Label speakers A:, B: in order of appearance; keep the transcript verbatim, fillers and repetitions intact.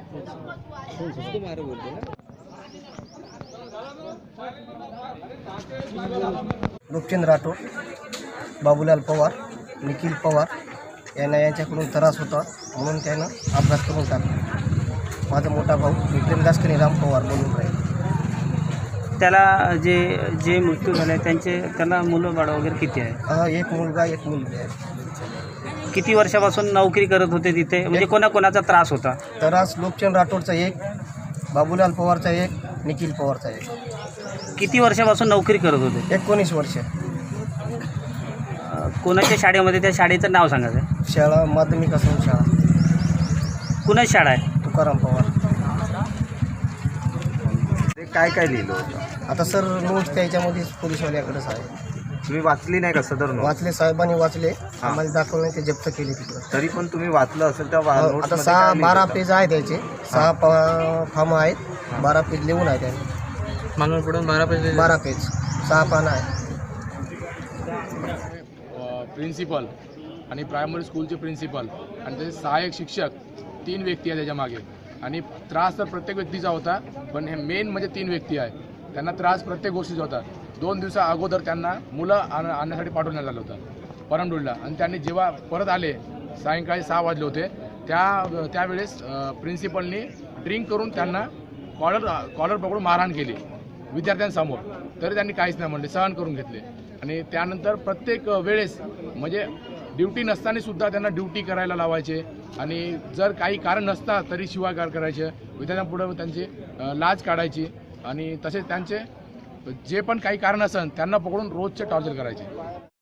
A: रूपचंद राठोड, बाबूलाल पवार, निखिल पवार यांना यांच्याकडून त्रास होता म्हणून त्यानं अपघात करून टाकला। माझा मोठा भाऊ विक्रम दासकनी राम पवार बोलून राहील।
B: त्याला जे जे मृत्यू झाले त्यांचे त्याला मुलं बाळ वगैरे किती आहे?
A: हा, एक मुलगा एक मुलगी आहे।
B: किती वर्षापासून नोकरी करत होते तिथे, म्हणजे कोणाकोणाचा त्रास होता?
A: त्रास लोकचंद राठोडचा एक, बाबूलाल पवारचा एक, निखिल पवारचा एक।
B: किती वर्षापासून नोकरी करत होते?
A: एकोणीस वर्ष।
B: कोणाच्या शाळेमध्ये? त्या शाळेचं नाव सांगायचं?
A: शाळा माध्यमिक असून शाळा
B: कुणाची शाळा आहे?
A: तुकाराम पवार।
C: ते काय काय लिहिलं होतं?
A: आता सर नोट त्याच्यामध्ये पोलीसवाल्याकडेच आहे।
C: तुम्ही वाचली नाही का सदर नोट?
A: वाचले, साहेबांनी वाचले, आम्हाला दाखवले, ते जप्त केले तिकडं।
C: तरी पण तुम्ही वाचलं असेल त्या वा-
A: आता
C: नोट्समध्ये
A: सहा
C: काय लिहिलं
A: बारा
C: होतं?
A: पेज आहे त्याचे, सहा फॉर्म आहेत, बारा पेज लिहून आहे त्यांनी।
D: मागून पुढून बारा पेज
A: बारा पेज सहा पानं आहे।
E: प्रिन्सिपल आणि प्रायमरी स्कूलचे प्रिन्सिपल आणि त्याचे सहाय्यक शिक्षक तीन व्यक्ती आहे त्याच्या मागे। आणि त्रास तर प्रत्येक व्यक्तीचा होता, पण हे मेन म्हणजे तीन व्यक्ती आहे, त्यांना त्रास प्रत्येक गोष्टीचा होता। दोन दिवसा अगोदर त्यांना मुलं आण आणण्यासाठी पाठवण्यात आलं होतं परमडूलला, आणि त्यांनी जेव्हा परत आले सायंकाळी सहा वाजले होते, त्या त्यावेळेस प्रिन्सिपलनी ड्रिंक करून त्यांना कॉलर कॉलर पकडून मारहाण केली विद्यार्थ्यांसमोर, तरी त्यांनी काहीच नाही म्हणले, सहन करून घेतले। आणि त्यानंतर प्रत्येक वेळेस म्हणजे ड्युटी नसताना सुद्धा त्यांना ड्युटी करायला लावायचे, आणि जर काही कारण नसता तरी शिवागार करायचे, विद्यार्थ्यांपुढे त्यांची लाज काढायची, आणि तसेच त्यांचे जे पण काही कारण असेल त्यांना पकडून रोजचे टॉर्चर करायचे।